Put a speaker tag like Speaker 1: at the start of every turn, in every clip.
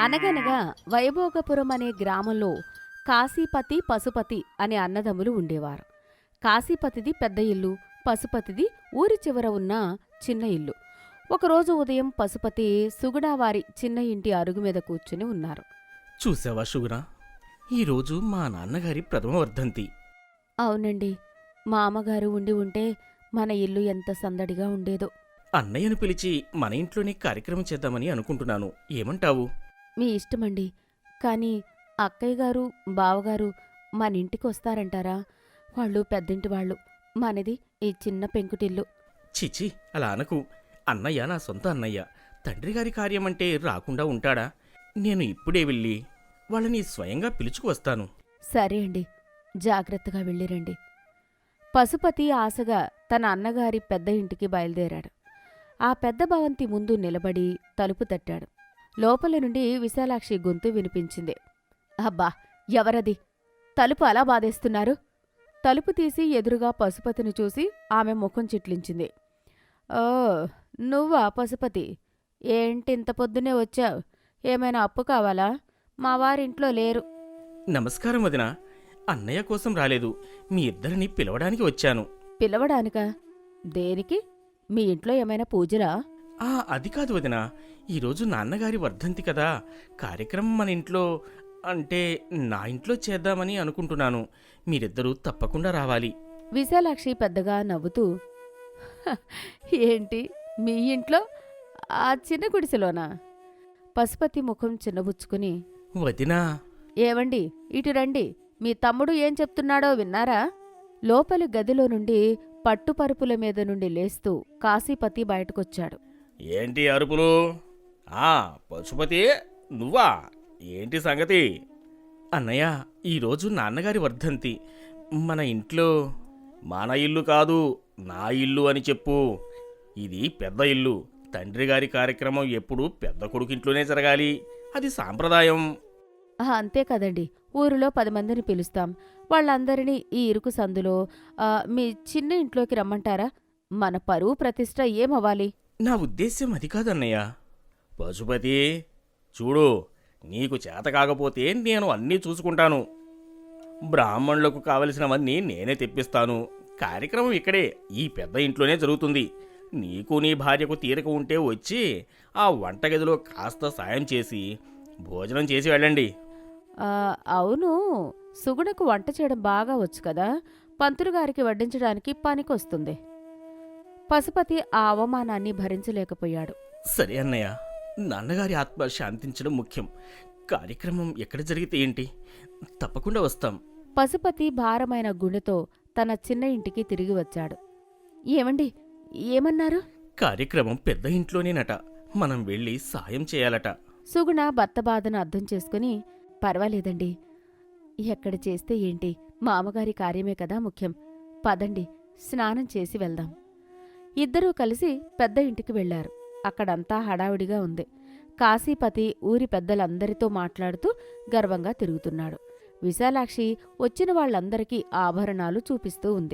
Speaker 1: అనగనగా వైభోగపురం అనే గ్రామంలో కాశీపతి పశుపతి అనే అన్నదమ్ములు ఉండేవారు. కాశీపతిది పెద్ద ఇల్లు, పశుపతిది ఊరి చివర ఉన్న చిన్న ఇల్లు. ఒకరోజు ఉదయం పశుపతి సుగుణావారి చిన్న ఇంటి అరుగు మీద కూర్చుని ఉన్నారు.
Speaker 2: చూసావా షుగురా, ఈరోజు మా నాన్నగారి ప్రథమ వర్ధంతి.
Speaker 1: అవునండి, మా అమ్మగారు ఉండి ఉంటే మన ఇల్లు ఎంత సందడిగా ఉండేదో.
Speaker 2: అన్నయ్యను పిలిచి మన ఇంట్లోనే కార్యక్రమం చేద్దామని అనుకుంటున్నాను. ఏమంటావు?
Speaker 1: మీ ఇష్టమండి, కానీ అక్కయ్య గారు బావగారు మన ఇంటికి వస్తారంటారా? వాళ్ళు పెద్దింటి వాళ్ళు, మనది ఈ చిన్న పెంకుటిల్లు.
Speaker 2: చిచి, అలా అనకు. అన్నయ్య నా సొంత అన్నయ్య. తండ్రిగారి కార్యమంటే రాకుండా ఉంటాడా? నేను ఇప్పుడే వెళ్ళి వాళ్ళని స్వయంగా పిలుచుకువస్తాను.
Speaker 1: సరే అండి, జాగ్రత్తగా వెళ్ళిరండి. పశుపతి ఆశగా తన అన్నగారి పెద్ద ఇంటికి బయలుదేరాడు. ఆ పెద్ద భవంతి ముందు నిలబడి తలుపు తట్టాడు. లోపల నుండి విశాలాక్షి గొంతు వినిపించింది. అబ్బా, ఎవరది? తలుపు అలా బాధేస్తున్నారు? తలుపు తీసి ఎదురుగా పశుపతిని చూసి ఆమె ముఖం చిట్లించింది. ఓ, నువ్వా పశుపతి? ఏంటింత పొద్దునే వచ్చావు? ఏమైనా అప్పు కావాలా? మా వారింట్లో లేరు.
Speaker 2: నమస్కారం వదినా. అన్నయ్య కోసం రాలేదు, మీ ఇద్దరిని పిలవడానికి వచ్చాను.
Speaker 1: పిలవడానికా? దేనికి? మీ ఇంట్లో ఏమైనా పూజలా?
Speaker 2: అది కాదు వదినా, ఈరోజు నాన్నగారి వర్ధంతి కదా. కార్యక్రమం మన ఇంట్లో, అంటే నా ఇంట్లో చేద్దామని అనుకుంటున్నాను. మీరిద్దరూ తప్పకుండా రావాలి.
Speaker 1: విశాలాక్షి పెద్దగా నవ్వుతూ, "హ, ఏంటి మీ ఇంట్లో? ఆ చిన్న గుడిసెలోనా?" పశుపతి ముఖం చిన్నబుచ్చుకుని,
Speaker 2: వదినా.
Speaker 1: ఏవండి, ఇటు రండి. మీ తమ్ముడు ఏం చెప్తున్నాడో విన్నారా? లోపలి గదిలో నుండి పట్టుపరుపుల మీద నుండి లేస్తూ కాశీపతి బయటకొచ్చాడు.
Speaker 2: ఏంటి అరుపులు? పశుపతి, నువ్వా? ఏంటి సంగతి? అన్నయ్య, ఈరోజు నాన్నగారి వర్ధంతి. మన ఇంట్లో. మన ఇల్లు కాదు, నా ఇల్లు అని చెప్పు. ఇది పెద్ద ఇల్లు. తండ్రిగారి కార్యక్రమం ఎప్పుడూ పెద్ద కొడుకింట్లోనే జరగాలి. అది సాంప్రదాయం.
Speaker 1: అంతే కదండి, ఊరిలో 10 మందిని పిలుస్తాం. వాళ్ళందరినీ ఈ ఇరుకు సందులో మీ చిన్న ఇంట్లోకి రమ్మంటారా? మన పరువు ప్రతిష్ట ఏమవ్వాలి?
Speaker 2: నా ఉద్దేశ్యం అది కాదన్నయ్య. పశుపతి, చూడు, నీకు చేత కాకపోతే నేను అన్నీ చూసుకుంటాను. బ్రాహ్మణులకు కావలసినవన్నీ నేనే తెప్పిస్తాను. కార్యక్రమం ఇక్కడే, ఈ పెద్ద ఇంట్లోనే జరుగుతుంది. నీకు నీ భార్యకు తీరిక ఉంటే వచ్చి ఆ వంటగదిలో కాస్త సాయం చేసి భోజనం చేసి వెళ్ళండి.
Speaker 1: అవును, సుగుణకు వంట చేయడం బాగా వచ్చు కదా, పంతులుగారికి వడ్డించడానికి పనికొస్తుంది. పశుపతి ఆ అవమానాన్ని భరించలేకపోయాడు.
Speaker 2: సరే అన్నయ్య, నాన్నగారి ఆత్మ శాంతించడం ముఖ్యం. కార్యక్రమం ఎక్కడ జరిగితే ఏంటి, తప్పకుండా వస్తాం.
Speaker 1: పశుపతి భారమైన గుండెతో తన చిన్న ఇంటికి తిరిగి వచ్చాడు. ఏమండి, ఏమన్నారు?
Speaker 2: కార్యక్రమం పెద్ద ఇంట్లోనేనట. మనం వెళ్ళి సాయం చేయాలట.
Speaker 1: సుగుణ భర్త బాధను అర్థం చేసుకుని, పర్వాలేదండి, ఎక్కడ చేస్తే ఏంటి, మామగారి కార్యమే కదా ముఖ్యం. పదండి, స్నానం చేసి వెళ్దాం. ఇద్దరూ కలిసి పెద్ద ఇంటికి వెళ్లారు. అక్కడంతా హడావిడిగా ఉంది. కాశీపతి ఊరి పెద్దలందరితో మాట్లాడుతూ గర్వంగా తిరుగుతున్నాడు. విశాలాక్షి వచ్చిన వాళ్లందరికీ ఆభరణాలు చూపిస్తూ ఉంది.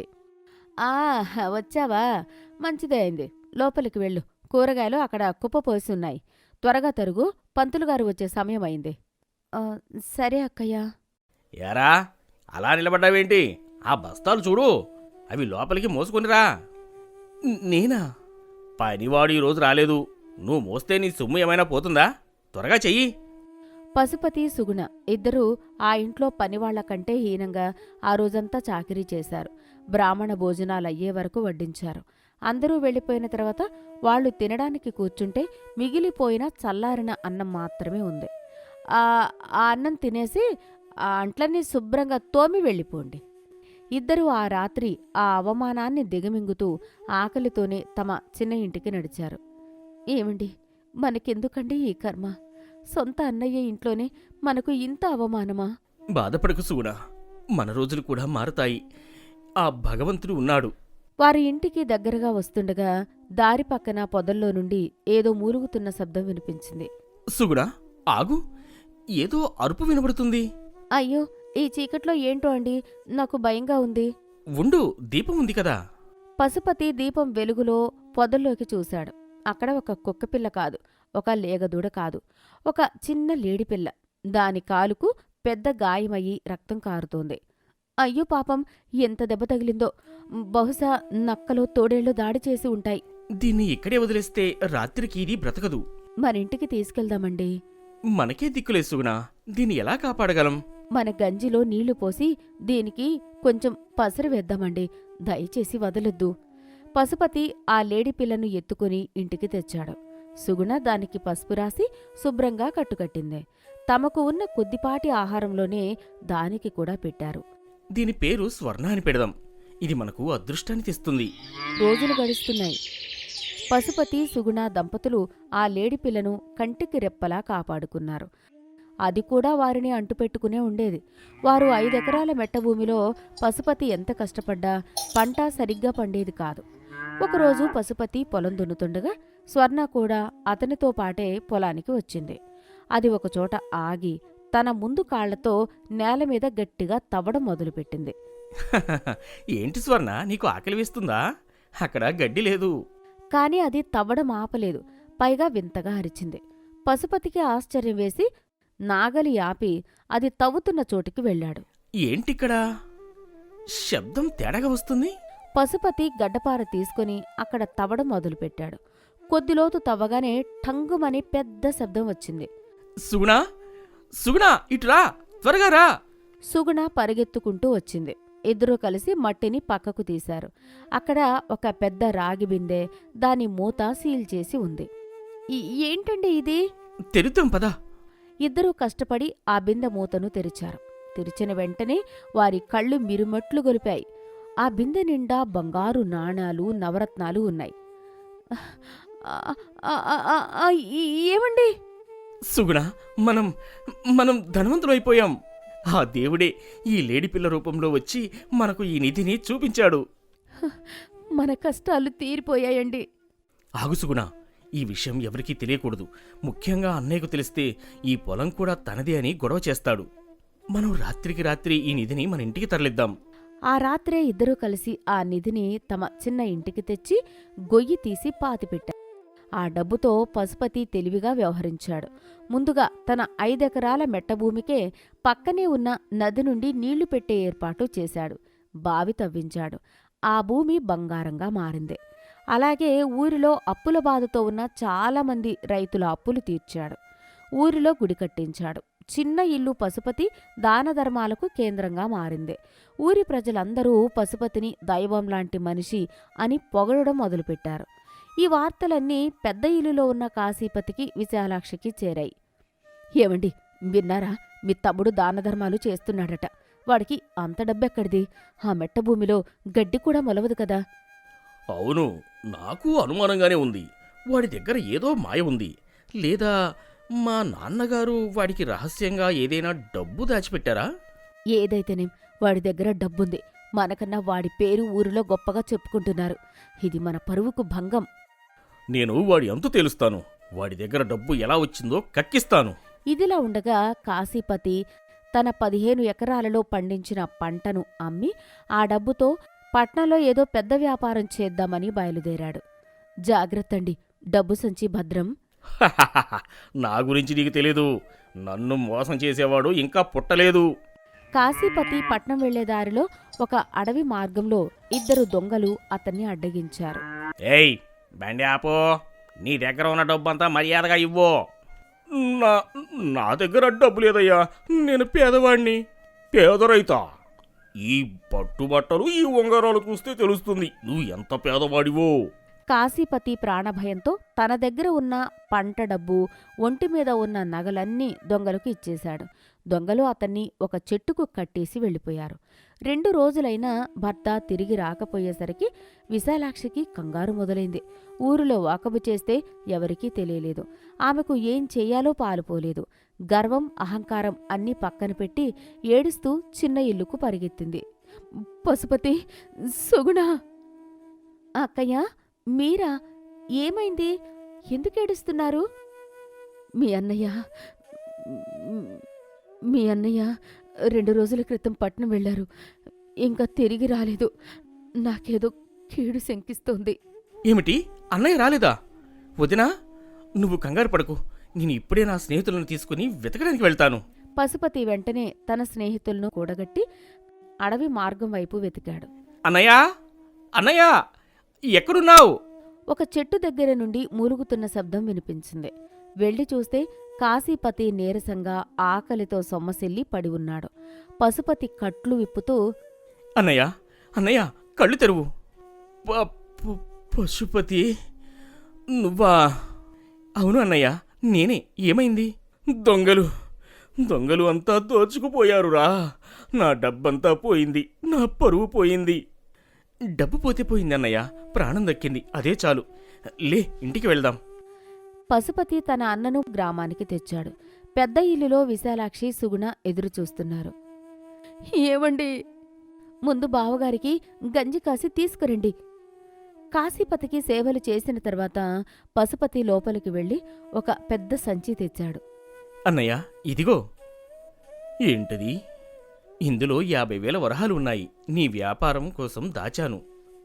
Speaker 1: వచ్చావా? మంచిదే అయింది. లోపలికి వెళ్ళు. కూరగాయలు అక్కడ కుప్పపోసి ఉన్నాయి. త్వరగా తరుగు, పంతులుగారు వచ్చే సమయం అయింది. సరే అక్కయ్యా.
Speaker 2: యారా, అలా నిలబడ్డావేంటి? ఆ బస్తాలు చూడు, అవి లోపలికి మోసుకొనిరా. నేనా? పనివాడు ఈరోజు రాలేదు. నువ్వు మోస్తే నీ సొమ్ము ఏమైనా పోతుందా? త్వరగా చెయ్యి.
Speaker 1: పశుపతి సుగుణ ఇద్దరూ ఆ ఇంట్లో పనివాళ్ల కంటే హీనంగా ఆ రోజంతా చాకిరీ చేశారు. బ్రాహ్మణ భోజనాలయ్యే వరకు వడ్డించారు. అందరూ వెళ్ళిపోయిన తర్వాత వాళ్లు తినడానికి కూర్చుంటే మిగిలిపోయిన చల్లారిన అన్నం మాత్రమే ఉంది. ఆ అన్నం తినేసి ఆ అంట్లన్నీ శుభ్రంగా తోమి వెళ్ళిపోండి. ఇద్దరూ ఆ రాత్రి ఆ అవమానాన్ని దిగమింగుతూ ఆకలితోనే తమ చిన్న ఇంటికి నడిచారు. ఏమండి, మనకెందుకండి ఈ కర్మ? సొంత అన్నయ్య ఇంట్లోనే మనకు ఇంత అవమానమా?
Speaker 2: బాధపడకు సూడా, మన రోజులు కూడా మారతాయి. ఆ భగవంతుడు ఉన్నాడు.
Speaker 1: వారి ఇంటికి దగ్గరగా వస్తుండగా దారి పక్కన పొదల్లో నుండి ఏదో మూలుగుతున్న శబ్దం వినిపించింది.
Speaker 2: సుగుడా, ఆగు, ఏదో అరుపు వినబడుతుంది.
Speaker 1: అయ్యో, ఈ చీకట్లో ఏంటో అండి, నాకు భయంగా ఉంది.
Speaker 2: ఉండు, దీపం ఉంది కదా.
Speaker 1: పశుపతి దీపం వెలుగులో పొదల్లోకి చూశాడు. అక్కడ ఒక కుక్కపిల్ల కాదు, ఒక లేగదూడ కాదు, ఒక చిన్న లేడిపిల్ల. దాని కాలుకు పెద్ద గాయమయ్యి రక్తం కారుతోంది. అయ్యో పాపం, ఎంత దెబ్బ తగిలిందో! బహుశా నక్కలో తోడేళ్లు దాడి చేసి ఉంటాయి.
Speaker 2: దీన్ని ఇక్కడే వదిలేస్తే రాత్రికి ఇది బ్రతకదు.
Speaker 1: మనింటికి తీసుకెళ్దామండి.
Speaker 2: మనకే దిక్కులేదు సుగుణ, దీన్ని ఎలా కాపాడగలం?
Speaker 1: మన గంజిలో నీళ్లు పోసి దీనికి కొంచెం పసరు వేద్దామండి. దయచేసి వదలొద్దు. పశుపతి ఆ లేడిపిల్లను ఎత్తుకుని ఇంటికి తెచ్చాడు. సుగుణ దానికి పసుపు రాసి శుభ్రంగా కట్టుకట్టింది. తమకు ఉన్న కొద్దిపాటి ఆహారంలోనే దానికి కూడా పెట్టారు.
Speaker 2: దీని పేరు స్వర్ణ అని పెడదాం. ఇది మనకు అదృష్టాన్ని తెస్తుంది.
Speaker 1: రోజులు గడుస్తున్నాయి. పశుపతి సుగుణ దంపతులు ఆ లేడిపిల్లను కంటికి రెప్పలా కాపాడుకున్నారు. అది కూడా వారిని అంటుపెట్టుకునే ఉండేది. వారు 5 ఎకరాల మెట్టభూమిలో పశుపతి ఎంత కష్టపడ్డా పంట సరిగ్గా పండేది కాదు. ఒకరోజు పశుపతి పొలం దున్నుతుండగా స్వర్ణ కూడా అతనితో పాటే పొలానికి వచ్చింది. అది ఒకచోట ఆగి తన ముందు కాళ్లతో నేలమీద గట్టిగా తవ్వడం మొదలుపెట్టింది.
Speaker 2: ఏంటి స్వర్ణ, నీకు ఆకలి వేస్తుందా? అక్కడ గడ్డి లేదు.
Speaker 1: కాని అది తవ్వడం ఆపలేదు. పైగా వింతగా అరిచింది. పశుపతికి ఆశ్చర్యం వేసి నాగలి ఆపి అది తవ్వుతున్న చోటికి వెళ్ళాడు.
Speaker 2: ఏంటిక్కడా శబ్దం తేడాగా వస్తుంది?
Speaker 1: పశుపతి గడ్డపార తీసుకుని అక్కడ తవ్వడం మొదలుపెట్టాడు. కొద్దిలోతు తవ్వగానే ఠంగుమని పెద్ద శబ్దం వచ్చింది.
Speaker 2: సుగుణ, సుగుణ, ఇటురా, త్వరగా రా.
Speaker 1: సుగుణ పరిగెత్తుకుంటూ వచ్చింది. ఇద్దరూ కలిసి మట్టిని పక్కకు తీశారు. అక్కడ ఒక పెద్ద రాగి బిందె, దాని మూత సీల్ చేసి ఉంది. ఏంటండి ఇది?
Speaker 2: తెరుద్దాం పదా.
Speaker 1: ఇద్దరూ కష్టపడి ఆ బిందె మూతను తెరిచారు. తెరిచిన వెంటనే వారి కళ్ళు మిరుమట్లు గొలిపాయి. ఆ బిందె నిండా బంగారు నాణాలు, నవరత్నాలు ఉన్నాయి. ఏమండి?
Speaker 2: సుగుణ, మనం ధనవంతులైపోయాం. ఆ దేవుడే ఈ లేడిపిల్ల రూపంలో వచ్చి మనకు ఈ నిధిని చూపించాడు.
Speaker 1: మన కష్టాలు తీరిపోయాయండి.
Speaker 2: ఆగు సుగుణ, ఈ విషయం ఎవరికీ తెలియకూడదు. ముఖ్యంగా అన్నయ్యకు తెలిస్తే ఈ పొలం కూడా తనదే అని గొడవ చేస్తాడు. మనం రాత్రికి రాత్రి ఈ నిధిని మన ఇంటికి తరలిద్దాం.
Speaker 1: ఆ రాత్రే ఇద్దరూ కలిసి ఆ నిధిని తమ చిన్న ఇంటికి తెచ్చి గొయ్యి తీసి పాతిపెట్టారు. ఆ డబ్బుతో పశుపతి తెలివిగా వ్యవహరించాడు. ముందుగా తన 5 ఎకరాల మెట్టభూమికే పక్కనే ఉన్న నది నుండి నీళ్లు పెట్టే ఏర్పాటు చేశాడు. బావి తవ్వించాడు. ఆ భూమి బంగారంగా మారింది. అలాగే ఊరిలో అప్పుల బాధతో ఉన్న చాలామంది రైతుల అప్పులు తీర్చాడు. ఊరిలో గుడి కట్టించాడు. చిన్న ఇల్లు పశుపతి దానధర్మాలకు కేంద్రంగా మారింది. ఊరి ప్రజలందరూ పశుపతిని దైవంలాంటి మనిషి అని పొగడడం మొదలుపెట్టారు. ఈ వార్తలన్నీ పెద్ద ఇల్లులో ఉన్న కాశీపతికి, విశాలాక్షికి చేరాయి. ఏమండి, విన్నారా? మీ తమ్ముడు దానధర్మాలు చేస్తున్నాడట. వాడికి అంత డబ్బెక్కడిది? ఆ మెట్టభూమిలో గడ్డి కూడా మొలవదు కదా.
Speaker 2: అవును, నాకు అనుమానంగానే ఉంది. వాడి దగ్గర ఏదో మాయ ఉంది. లేదా మా నాన్నగారు వాడికి రహస్యంగా ఏదైనా డబ్బు దాచిపెట్టారా?
Speaker 1: ఏదైతేనేం వాడి దగ్గర డబ్బుంది. మనకన్నా వాడి పేరు ఊరిలో గొప్పగా చెప్పుకుంటున్నారు. ఇది మన పరువుకు భంగం.
Speaker 2: నేను వాడి అంతు తేలుస్తాను. వాడి దగ్గర డబ్బు ఎలా వచ్చిందో కక్కిస్తాను.
Speaker 1: ఇదిలా ఉండగా కాశీపతి తన 15 ఎకరాలలో పండించిన పంటను అమ్మి ఆ డబ్బుతో పట్నంలో ఏదో పెద్ద వ్యాపారం చేద్దామని బయలుదేరాడు. జాగ్రత్తండి, డబ్బు సంచి భద్రం.
Speaker 2: నా గురించి నీకు తెలీదు. నన్ను మోసం చేసేవాడు ఇంకా పుట్టలేదు.
Speaker 1: కాశీపతి పట్నం వెళ్లే దారిలో ఒక అడవి మార్గంలో 2 దొంగలు అతన్ని అడ్డగించారు.
Speaker 2: ఏయ్, బండి ఆపో. నీ దగ్గర ఉన్న డబ్బంతా మర్యాదగా ఇవ్వు. నా దగ్గర డబ్బు లేదయ్యా. నేను పేదవాణ్ణి, పేదరైతా. ఈ పట్టుబట్టలు, ఈ ఉంగరాలు చూస్తే తెలుస్తుంది నువ్వు ఎంత పేదవాడివో.
Speaker 1: కాశీపతి ప్రాణభయంతో తన దగ్గర ఉన్న పంట డబ్బు, ఒంటిమీద ఉన్న నగలన్నీ దొంగలకు ఇచ్చేశాడు. దొంగలు అతన్ని ఒక చెట్టుకు కట్టేసి వెళ్ళిపోయారు. 2 రోజులైనా భర్త తిరిగి రాకపోయేసరికి విశాలాక్షికి కంగారు మొదలైంది. ఊరిలో వాకబు చేస్తే ఎవరికీ తెలియలేదు. ఆమెకు ఏం చెయ్యాలో పాలుపోలేదు. గర్వం, అహంకారం అన్నీ పక్కన పెట్టి ఏడుస్తూ చిన్న ఇల్లుకు పరిగెత్తింది. పశుపతి, సుగుణ. అక్కయ్య, మీరా? ఏమైంది? ఎందుకేడుస్తున్నారు? మీ అన్నయ్య 2 రోజుల క్రితం పట్నం వెళ్లారు. ఇంకా తిరిగి రాలేదు. నాకేదో కీడు శంకిస్తోంది.
Speaker 2: ఏమిటి, అన్నయ్య రాలేదా? వదినా, నువ్వు కంగారు పడకు. నేను ఇప్పుడే నా స్నేహితులను తీసుకుని వెతకడానికి వెళ్తాను.
Speaker 1: పశుపతి వెంటనే తన స్నేహితులను కూడగట్టి అడవి మార్గం వైపు వెతికాడు.
Speaker 2: అన్నయ్య, అన్నయ్య, ఎక్కడున్నావు?
Speaker 1: ఒక చెట్టు దగ్గర నుండి మూలుగుతున్న శబ్దం వినిపించింది. వెళ్లి చూస్తే కాశీపతి నీరసంగా ఆకలితో సొమ్మసిల్లి పడి ఉన్నాడు. పశుపతి కట్లు విప్పుతూ,
Speaker 2: అన్నయ్య, అన్నయ్య, కళ్ళు తెరువు. పశుపతి, నువ్వా? అవును అన్నయ్య, నేనే. ఏమైంది? దొంగలు అంతా దోచుకుపోయారురా. నా డబ్బంతా పోయింది, నా పరువు పోయింది. డబ్బు పోతే పోయింది అన్నయ్య, ప్రాణం దక్కింది, అదే చాలు. లే, ఇంటికి వెళ్దాం.
Speaker 1: పశుపతి తన అన్నను గ్రామానికి తెచ్చాడు. పెద్ద ఇల్లులో విశాలాక్షి, సుగుణ ఎదురుచూస్తున్నారు. ఏవండి, ముందు బావగారికి గంజి కాసి తీసుకురండి. కాశీపతికి సేవలు చేసిన తర్వాత పశుపతి లోపలికి వెళ్లి ఒక పెద్ద సంచి తెచ్చాడు.
Speaker 2: అన్నయ్య, ఇదిగో. ఏంటది? ఇందులో 50,000 వరహాలు ఉన్నాయి. నీ వ్యాపారం కోసం దాచాను.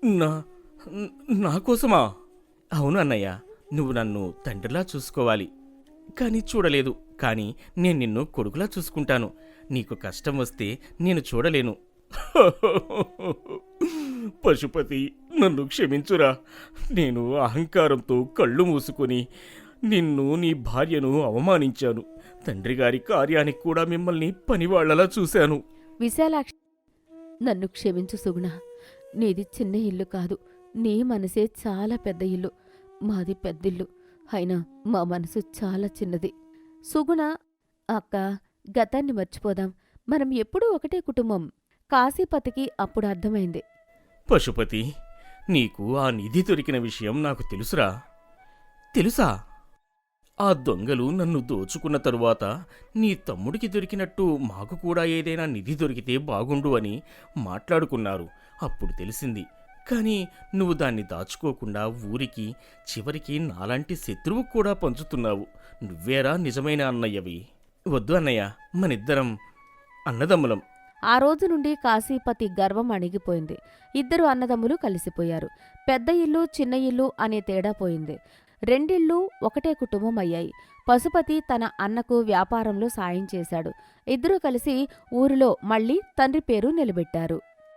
Speaker 2: నా కోసమా? అవును అన్నయ్య, నువ్వు నన్ను తండ్రిలా చూసుకోవాలి. కానీ చూడలేదు. కానీ నేను నిన్ను కొడుకులా చూసుకుంటాను. నీకు కష్టం వస్తే నేను చూడలేను. పశుపతి, నన్ను క్షమించురా. నేను అహంకారంతో కళ్ళు మూసుకొని నిన్ను, నీ భార్యను అవమానించాను. తండ్రిగారి కార్యానికి కూడా మిమ్మల్ని పనివాళ్లలా చూశాను.
Speaker 1: విశాలాక్షి, నన్ను క్షమించు సుగుణ. నీది చిన్న ఇల్లు కాదు, నీ మనసే చాలా పెద్ద ఇల్లు. మాది పెద్దిల్లు, అయినా మా మనసు చాలా చిన్నది. సుగుణ, అక్క, గతాన్ని మర్చిపోదాం. మనం ఎప్పుడూ ఒకటే కుటుంబం. కాశీపతికి అప్పుడు అర్థమైంది.
Speaker 2: పశుపతి, నీకు ఆ నిధి దొరికిన విషయం నాకు తెలుసురా. తెలుసా? ఆ దొంగలు నన్ను దోచుకున్న తరువాత నీ తమ్ముడికి దొరికినట్టు మాకు కూడా ఏదైనా నిధి దొరికితే బాగుండు అని మాట్లాడుకున్నారు. అప్పుడు తెలిసింది. కాని నువ్వు దాన్ని దాచుకోకుండా ఊరికి, చివరికి నాలాంటి శత్రువు కూడా పంచుతున్నావు. నువ్వేరా నిజమైన అన్నయ్యవి. వద్దు అన్నయ్య, మనిద్దరం అన్నదమ్ములం.
Speaker 1: ఆ రోజు నుండి కాశీపతి గర్వం అణిగిపోయింది. ఇద్దరు అన్నదమ్ములు కలిసిపోయారు. పెద్ద ఇల్లు, చిన్న ఇల్లు అనే తేడా పోయింది. రెండిళ్ళు ఒకటే కుటుంబం అయ్యాయి. పశుపతి తన అన్నకు వ్యాపారంలో సాయం చేశాడు. ఇద్దరూ కలిసి ఊరిలో మళ్లీ తండ్రి పేరు నిలబెట్టారు.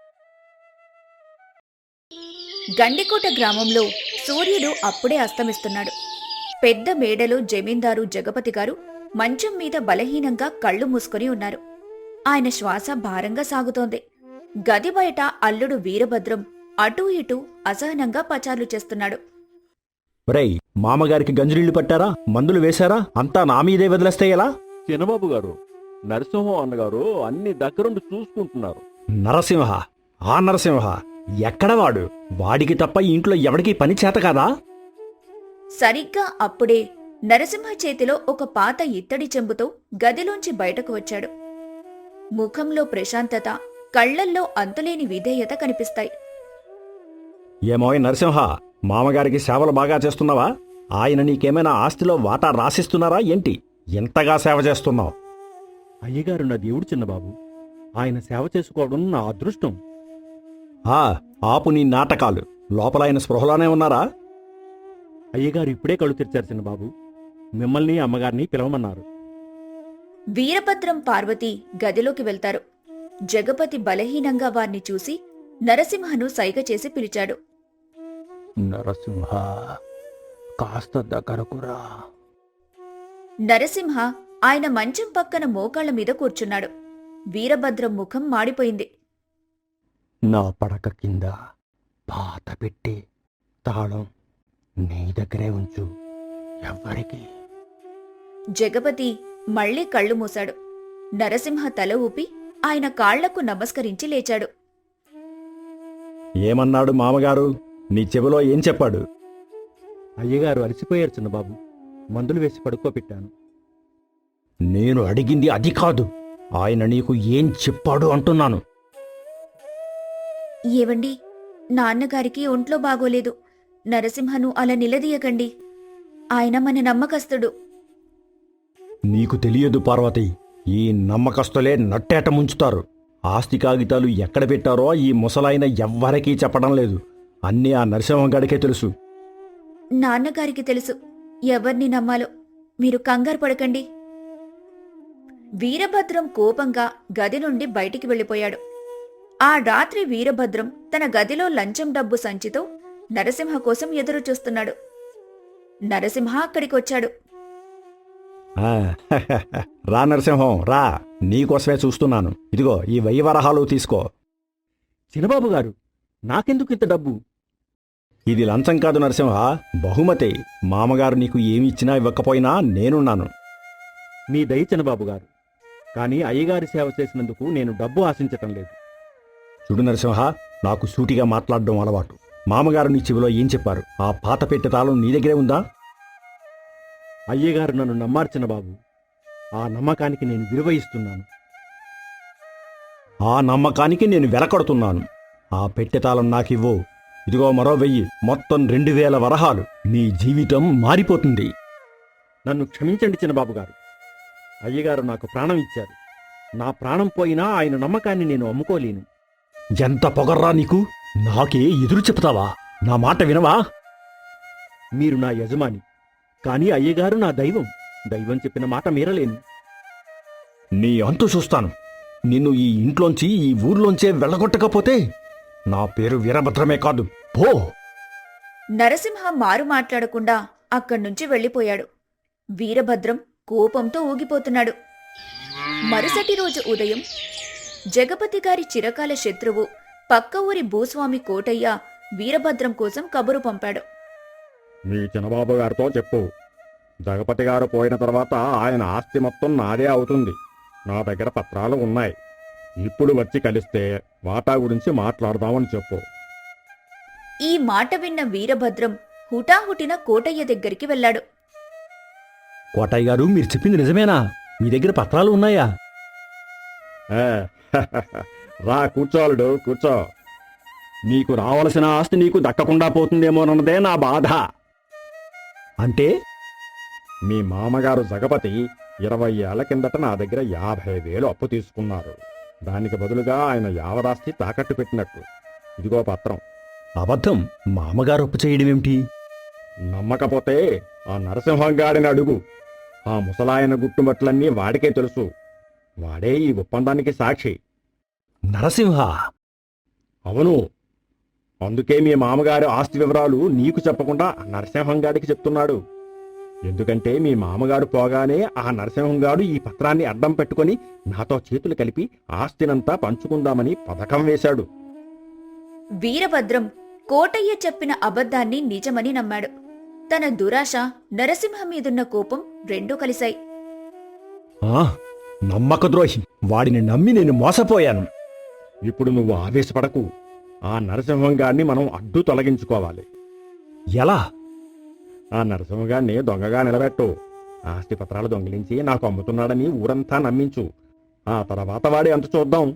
Speaker 3: గండికోట గ్రామంలో సూర్యుడు అప్పుడే అస్తమిస్తున్నాడు. పెద్ద మేడలో జమీందారు జగపతి గారు మంచం మీద బలహీనంగా కళ్ళు మూసుకొని ఉన్నారు. ఆయన శ్వాస భారంగా సాగుతోంది. గది బయట అల్లుడు వీరభద్రం అటూ ఇటూ అసహనంగా పచార్లు చేస్తున్నాడు.
Speaker 4: ఒరేయ్, మామగారికి గంజులీళ్లు పట్టారా? మందులు వేశారా? అంతా నా మీదే వదిలేస్తే ఎలా?
Speaker 5: చిన్నబాబు గారు, నరసింహం అన్నగారు అన్ని దగ్గరుండి చూసుకుంటున్నారు.
Speaker 4: నరసింహ? ఆ నరసింహ ఎక్కడవాడు? వాడికి తప్ప ఈ ఇంట్లో ఎవడికి పని చేత కాదా?
Speaker 3: సరిగ్గా అప్పుడే నరసింహ చేతిలో ఒక పాత ఇత్తడి చెంబుతో గదిలోంచి బయటకు వచ్చాడు. ముఖంలో ప్రశాంతత, కళ్లల్లో అంతులేని విధేయత కనిపిస్తాయి.
Speaker 4: ఏమోయ్ నరసింహ, మామగారికి సేవలు బాగా చేస్తున్నావా? ఆయన నీకేమైనా ఆస్తిలో వాటా రాసిస్తున్నారా ఏంటి? ఎంతగా సేవ చేస్తున్నావు?
Speaker 5: అయ్యగారు నా దేవుడు చిన్నబాబు. ఆయన సేవ చేసుకోవడం నా అదృష్టం.
Speaker 4: ఆపు నీ నాటకాలు. లోపల ఆయన స్పృహలోనే ఉన్నారా?
Speaker 5: అయ్యగారు ఇప్పుడే కళ్ళు తెరిచారు చిన్నబాబు. మిమ్మల్ని, అమ్మగారిని పిలవమన్నారు.
Speaker 3: వీరభద్రం, పార్వతి గదిలోకి వెళ్తారు. జగపతి బలహీనంగా వారిని చూసి నరసింహను సైగ చేసి పిలిచాడు.
Speaker 5: నరసింహ, కాస్త దగ్గరకురా.
Speaker 3: నరసింహ ఆయన మంచం పక్కన మోకాళ్ల మీద కూర్చున్నాడు. వీరభద్రం ముఖం మాడిపోయింది.
Speaker 5: నా పడక కింద పాత పెట్టి తాళం నీ దగ్గరే ఉంచు, ఎవ్వరికి.
Speaker 3: జగపతి మళ్లీ కళ్ళు మూశాడు. నరసింహ తల ఊపి ఆయన కాళ్లకు నమస్కరించి లేచాడు.
Speaker 4: ఏమన్నాడు మామగారు? నీ చెవిలో ఏం చెప్పాడు?
Speaker 5: అయ్యగారు అలసిపోయారు చిన్నబాబు. మందులు వేసి పడుకోబెట్టాను.
Speaker 4: నేను అడిగింది అది కాదు. ఆయన నీకు ఏం చెప్పాడు అంటున్నాను.
Speaker 3: ఏవండి, నాన్నగారికి ఒంట్లో బాగోలేదు. నరసింహను అలా నిలదీయకండి. ఆయన మన నమ్మకస్తుడు.
Speaker 4: నీకు తెలియదు పార్వతి, ఈ నమ్మకస్తులే నట్టేట ముంచుతారు. ఆస్తి కాగితాలు ఎక్కడ పెట్టారో ఈ ముసలాయన ఎవ్వరికీ చెప్పడం లేదు. అన్నీ ఆ నరసింహంగాడికే తెలుసు.
Speaker 3: నాన్నగారికి తెలుసు. ఎవర్ని నమ్మాలో మీరు కంగారు పడకండి. వీరభద్రం కోపంగా గది నుండి బయటికి వెళ్ళిపోయాడు. ఆ రాత్రి వీరభద్రం తన గదిలో లంచం డబ్బు సంచితో నరసింహ కోసం ఎదురు చూస్తున్నాడు. నరసింహ అక్కడికొచ్చాడు.
Speaker 4: ఆ, రా నరసింహం రా, నీకోసమే చూస్తున్నాను. ఇదిగో ఈ 1000 వరహాలు తీసుకో.
Speaker 5: చిన్నబాబు గారు, నాకెందుకు ఇంత డబ్బు?
Speaker 4: ఇది లంచం కాదు నరసింహ, బహుమతి. మామగారు నీకు ఏమి ఇచ్చినా ఇవ్వకపోయినా నేనున్నాను.
Speaker 5: మీ దయ చిన్నబాబు గారు, కానీ అయ్యగారి సేవ చేసినందుకు నేను డబ్బు ఆశించటం లేదు.
Speaker 4: చూడు నరసింహ, నాకు సూటిగా మాట్లాడడం అలవాటు. మామగారు నీ చెవిలో ఏం చెప్పారు? ఆ పాత పెట్టె తాళం నీ దగ్గరే ఉందా?
Speaker 5: అయ్యగారు నన్ను నమ్మారు చిన్నబాబు. ఆ నమ్మకానికి నేను విలువ ఇస్తున్నాను.
Speaker 4: ఆ నమ్మకానికి నేను వెలకడుతున్నాను. ఆ పెట్టె తాళం నాకివ్వు. ఇదిగో మరో 1000, మొత్తం 2000 వరహాలు. నీ జీవితం మారిపోతుంది.
Speaker 5: నన్ను క్షమించండి చిన్నబాబు గారు. అయ్యగారు నాకు ప్రాణం ఇచ్చారు. నా ప్రాణం పోయినా ఆయన నమ్మకాన్ని నేను అమ్ముకోలేను.
Speaker 4: ఎంత పొగర్రా నీకు! నాకే ఎదురు చెప్తావా? నా మాట వినవా?
Speaker 5: మీరు నా యజమాని, కానీ అయ్యగారు నా దైవం. దైవం చెప్పిన మాట మీరలేను.
Speaker 4: నీ అంతు చూస్తాను. నిన్ను ఈ ఇంట్లోంచి, ఈ ఊర్లోంచే వెళ్ళగొట్టకపోతే నా పేరు వీరభద్రమే కాదు. పో!
Speaker 3: నరసింహ మారు మాట్లాడకుండా అక్కడ్నుంచి వెళ్ళిపోయాడు. వీరభద్రం కోపంతో ఊగిపోతున్నాడు. మరుసటి రోజు ఉదయం జగపతి గారి చిరకాల శత్రువు పక్క ఊరి భూస్వామి కోటయ్య వీరభద్రం కోసం కబురు పంపాడు.
Speaker 6: మీ చిన్నబాబు గారితో చెప్పు, జగపతి గారు పోయిన తర్వాత ఆయన ఆస్తి మొత్తం నాదే అవుతుంది. నా దగ్గర పత్రాలు ఉన్నాయి. ఇప్పుడు వచ్చి కలిస్తే వాటా గురించి మాట్లాడదామని చెప్పు.
Speaker 3: ఈ మాట విన్న వీరభద్రం హుటాహుటిన కోటయ్య దగ్గరికి వెళ్ళాడు.
Speaker 4: కోటయ్య గారు, మీరు చెప్పింది నిజమేనా? మీ దగ్గర పత్రాలు ఉన్నాయా?
Speaker 6: ఏ, రా కూర్చోలుడు, కూర్చో. నీకు రావలసిన ఆస్తి నీకు దక్కకుండా పోతుందేమోనన్నదే నా బాధ.
Speaker 4: అంటే
Speaker 6: మీ మామగారు జగపతి 20 ఏళ్ల కిందట నా దగ్గర 50,000 అప్పు తీసుకున్నారు. దానికి బదులుగా ఆయన యావదాస్తి తాకట్టు పెట్టినట్టు. ఇదిగో పత్రం.
Speaker 4: అబద్ధం. మామగారు అప్పు చేయడమేమిటి?
Speaker 6: నమ్మకపోతే ఆ నరసింహంగాడిని అడుగు. ఆ ముసలాయన గుట్టుమట్లన్నీ వాడికే తెలుసు. వాడే ఈ ఒప్పందానికి సాక్షి.
Speaker 4: నరసింహ!
Speaker 6: అవును. అందుకే మీ మామగారి ఆస్తి వివరాలు నీకు చెప్పకుండా ఆ నరసింహంగాడికి చెప్తున్నాడు. ఎందుకంటే మీ మామగారు పోగానే ఆ నరసింహంగాడు ఈ పత్రాన్ని అడ్డం పెట్టుకొని నాతో చేతులు కలిపి ఆస్తినంతా పంచుకుందామని పథకం వేశాడు.
Speaker 3: వీరభద్రం కోటయ్య చెప్పిన అబద్ధాన్ని నిజమని నమ్మాడు. తన దురాశ, నరసింహ మీదున్న కోపం రెండూ కలిశాయి.
Speaker 4: ఆ, నమ్మకద్రోహి! వాడిని నమ్మి నేను మోసపోయాను.
Speaker 6: ఇప్పుడు నువ్వు ఆవేశపడకు. ఆ నరసింహంగాడిని మనం అడ్డు తొలగించుకోవాలి.
Speaker 4: ఎలా?
Speaker 6: ఆ నరసింహగాడిని దొంగగా నిలబెట్టు. ఆస్తి పత్రాలు దొంగిలించి నాకు అమ్ముతున్నాడని ఊరంతా నమ్మించు. ఆ తర్వాత వాడి అంత చూద్దాం.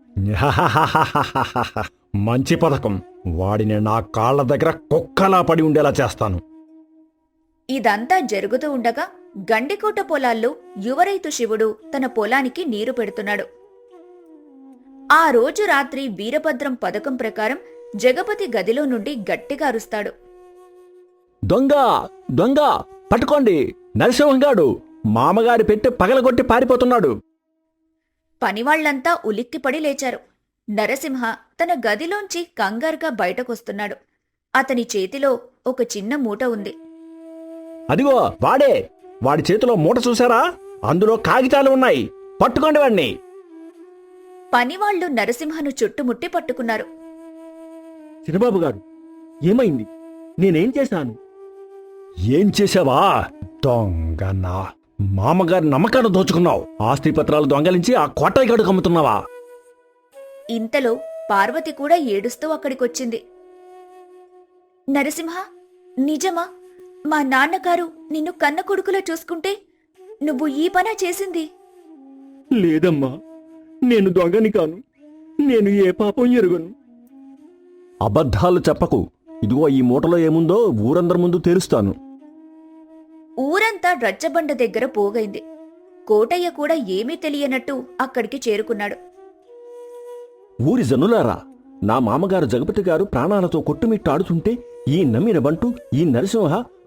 Speaker 4: మంచి పథకం. వాడిని నా కాళ్ల దగ్గర కుక్కలా పడి ఉండేలా చేస్తాను.
Speaker 3: ఇదంతా జరుగుతూ ఉండగా గండికోట పొలాల్లో యువరైతు శివుడు తన పొలానికి నీరు పెడుతున్నాడు. ఆ రోజు రాత్రి వీరభద్రం పథకం ప్రకారం జగపతి గదిలో నుండి గట్టిగా అరుస్తాడు.
Speaker 4: దొంగ! దొంగ! పట్టుకోండి! నరసింహంగాడు మామగారి పెట్టి పగలగొట్టి పారిపోతున్నాడు.
Speaker 3: పనివాళ్లంతా ఉలిక్కిపడి లేచారు. నరసింహ తన గదిలోంచి కంగారుగా బయటకొస్తున్నాడు. అతని చేతిలో ఒక చిన్న మూట ఉంది.
Speaker 4: అదిగో వాడే! వాడి చేతిలో మూట చూశారా? అందులో కాగితాలు ఉన్నాయి. పట్టుకోండి వాడిని.
Speaker 3: పనివాళ్లు నరసింహను చుట్టుముట్టి పట్టుకున్నారు.
Speaker 5: చిన్నబాబు గారు, ఏమైంది? నేనేం చేశాను?
Speaker 4: ఏం చేశావా? దొంగ! నా మామగారి నమ్మకాన్ని దోచుకున్నావు. ఆస్తి పత్రాలు దొంగలించి ఆ కోటయ్య గడుకు అమ్ముతున్నావా?
Speaker 3: ఇంతలో పార్వతి కూడా ఏడుస్తూ అక్కడికొచ్చింది. నరసింహ, నిజమా? మా నాన్నగారు నిన్ను కన్న కొడుకులా చూసుకుంటే నువ్వు ఈ పనా చేసింది?
Speaker 5: లేదమ్మా, నేను దొంగని కాను. నేను ఏ పాపం ఎరుగను.
Speaker 4: అబద్ధాలు చెప్పకు. ఇదిగో ఈ మూటలో ఏముందో ఊరందరి ముందు తెలుస్తాను.
Speaker 3: ఊరంతా రచ్చబండ దగ్గర పోగైంది. కోటయ్య కూడా ఏమీ తెలియనట్టు అక్కడికి చేరుకున్నాడు.
Speaker 4: ఊరి జనులారా, నా మామగారు జగపతి గారు ప్రాణాలతో కొట్టుమిట్టాడుతుంటే ఈ నమ్మిన బంటు, ఈ నరసింహ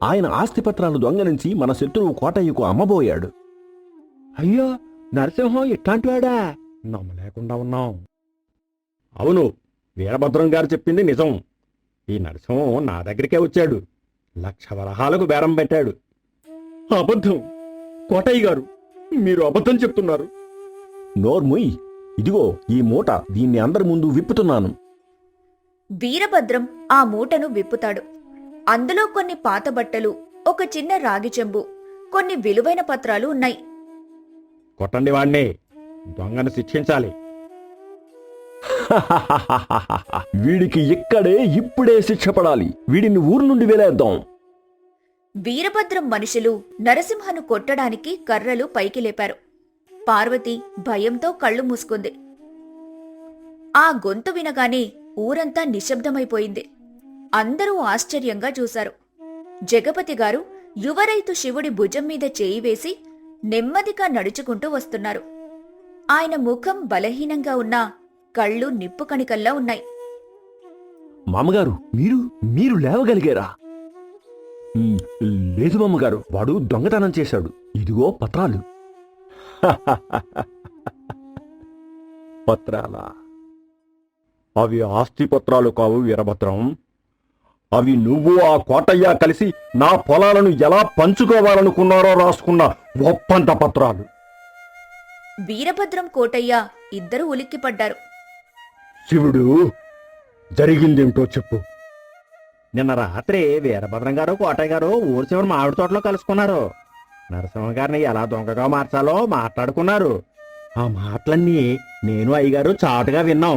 Speaker 4: ఆయన ఆస్తిపత్రాలు దొంగలించి మన శత్రువు కోటయ్యకు అమ్మబోయాడు.
Speaker 5: అయ్యో, నరసింహం ఇట్లాంటివాడా? నమ్మలేకుండా ఉన్నాం.
Speaker 6: అవును, వీరభద్రం గారు చెప్పింది నిజం. ఈ నరసింహం నా దగ్గరికే వచ్చాడు. 1,00,000 వరహాలకు బేరం పెట్టాడు.
Speaker 5: అబద్ధం! కోటయ్య గారు, మీరు అబద్ధం చెప్తున్నారు.
Speaker 4: నోర్ముయ్, ఇదిగో ఈ మూట, దీన్ని అందరి ముందు విప్పుతున్నాను.
Speaker 3: వీరభద్రం ఆ మూటను విప్పుతాడు. అందులో కొన్ని పాత బట్టలు, ఒక చిన్న రాగి చెంబు, కొన్ని విలువైన పత్రాలు ఉన్నాయి.
Speaker 6: కొట్టండి వాణ్ణి, దొంగను శిక్షించాలి.
Speaker 4: వీడికి ఇక్కడే ఇప్పుడే శిక్ష పడాలి. వీడిని ఊరు నుండి వెలేద్దాం.
Speaker 3: వీరభద్రం మనుషులు నరసింహను కొట్టడానికి కర్రలు పైకి లేపారు. పార్వతి భయంతో కళ్ళు మూసుకుంది. ఆ గొంతు వినగానే ఊరంతా నిశ్శబ్దమైపోయింది. అందరూ ఆశ్చర్యంగా చూశారు. జగపతి గారు యువరైతు శివుడి భుజం మీద చేయి వేసి నెమ్మదిగా నడుచుకుంటూ వస్తున్నారు. ఆయన ముఖం బలహీనంగా ఉన్నా కళ్ళు నిప్పు కణికల్లా ఉన్నాయి.
Speaker 4: మామగారు, మీరు లేవగలిగారా? లేదు మామగారు, వాడు దొంగతనం చేశాడు. ఇదిగో పత్రాలు.
Speaker 6: పత్రాలా? అవి ఆస్తి పత్రాలు కావు వీరభద్రం. అవి నువ్వు ఆ కోటయ్య కలిసి నా పొలాలను ఎలా పంచుకోవాలనుకున్నారో రాసుకున్న ఒప్పంద పత్రాలు.
Speaker 3: వీరభద్రం కోటయ్య ఇద్దరూ ఉలిక్కిపడ్డారు.
Speaker 6: శివుడు, జరిగిందేమిటో చెప్పు.
Speaker 5: నిన్న రాత్రి వీరభద్రం గారు కోటయ్య గారు ఊరు చివరి మామిడి తోటలో కలుసుకున్నారు. నరసింహ గారిని ఎలా దొంగగా మార్చాలో మాట్లాడుకున్నారు. ఆ మాటలన్నీ నేను అయ్యగారు చాటుగా విన్నాం.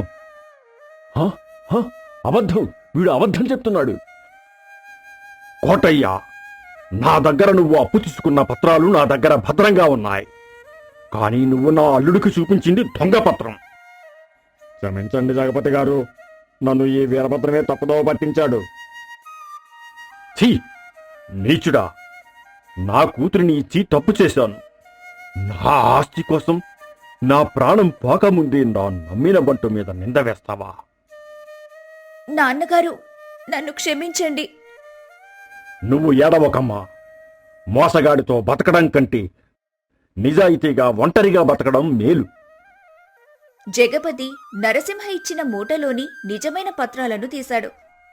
Speaker 4: అబద్ధం! వీడు అబద్ధం చెప్తున్నాడు.
Speaker 6: కోటయ్య, నా దగ్గర నువ్వు అప్పు తీసుకున్న పత్రాలు నా దగ్గర భద్రంగా ఉన్నాయి. కానీ నువ్వు నా అల్లుడికి చూపించింది దొంగ పత్రం. క్షమించండి జగపతి గారు, నన్ను ఈ వీరభద్రమే తప్పుదోవ పట్టించాడు. ఛీ, నీచుడా! నా కూతురిని ఇచ్చి తప్పు చేశాను. నా ఆస్తి కోసం నా ప్రాణం పోకముందే నా నమ్మిన బంటు మీద నింద వేస్తావా?
Speaker 3: నాన్నగారు, నన్ను క్షమించండి.
Speaker 6: నువ్వు ఏడవకమ్మా. మోసగాడితో బతకడం కంటే నిజాయితీగా ఒంటరిగా బతకడం మేలు.
Speaker 3: జగపతి నరసింహ ఇచ్చిన మూటలోని నిజమైన పత్రాలను తీశాడు.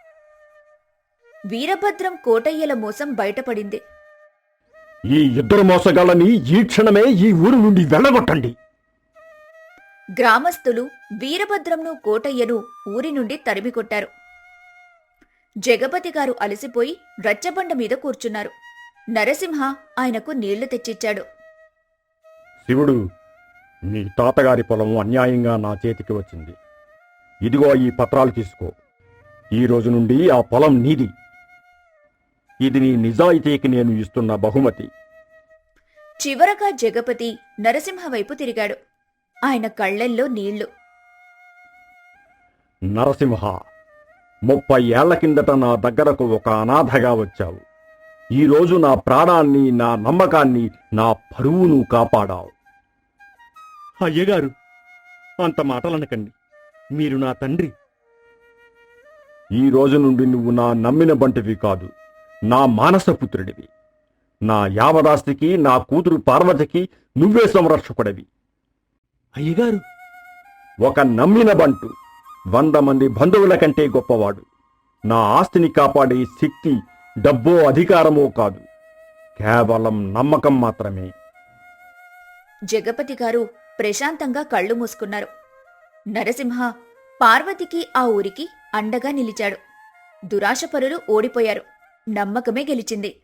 Speaker 3: వీరభద్రం కోటయ్యల మోసం బయటపడింది.
Speaker 6: ఈ ఇద్దరు మోసగాళ్ళని ఈ క్షణమే ఈ ఊరు నుండి వెళ్ళగొట్టండి.
Speaker 3: గ్రామస్తులు వీరభద్రంను కోటయ్యను ఊరి నుండి తరిమికొట్టారు. జగపతి గారు అలసిపోయి రచ్చబండ మీద కూర్చున్నారు. నరసింహ ఆయనకు నీళ్లు తెచ్చిచ్చాడు.
Speaker 6: శివుడు, నీ తాతగారి పొలం అన్యాయంగా నా చేతికి వచ్చింది. ఇదిగో ఈ పత్రాలు తీసుకో. ఈ రోజు నుండి ఆ పొలం నీది. ఇది నీ నిజాయితీకి నేను ఇస్తున్న బహుమతి.
Speaker 3: చివరగా జగపతి నరసింహ వైపు తిరిగాడు. ఆయన కళ్ళల్లో నీళ్లు.
Speaker 6: నరసింహ, 30 ఏళ్ల కిందట నా దగ్గరకు ఒక అనాథగా వచ్చావు. ఈరోజు నా ప్రాణాన్ని, నా నమ్మకాన్ని, నా పరువును కాపాడావు.
Speaker 5: అయ్యగారు, అంత మాటలనకండి. మీరు నా తండ్రి.
Speaker 6: ఈ రోజు నుండి నువ్వు నా నమ్మిన బంటివి కాదు, నా మానసపుత్రుడివి. నా యావదాస్తికి, నా కూతురు పార్వతికి నువ్వే సంరక్షకుడివి.
Speaker 5: అయ్యగారు,
Speaker 6: ఒక నమ్మిన బంటు 100 మంది బంధువుల కంటే గొప్పవాడు. నా ఆస్తిని కాపాడే శక్తి డబ్బో అధికారమో కాదు, కేవలం నమ్మకం మాత్రమే.
Speaker 3: జగపతి గారు ప్రశాంతంగా కళ్ళు మూసుకున్నారు. నరసింహ పార్వతికి ఆ ఊరికి అండగా నిలిచాడు. దురాశపరులు ఓడిపోయారు. నమ్మకమే గెలిచింది.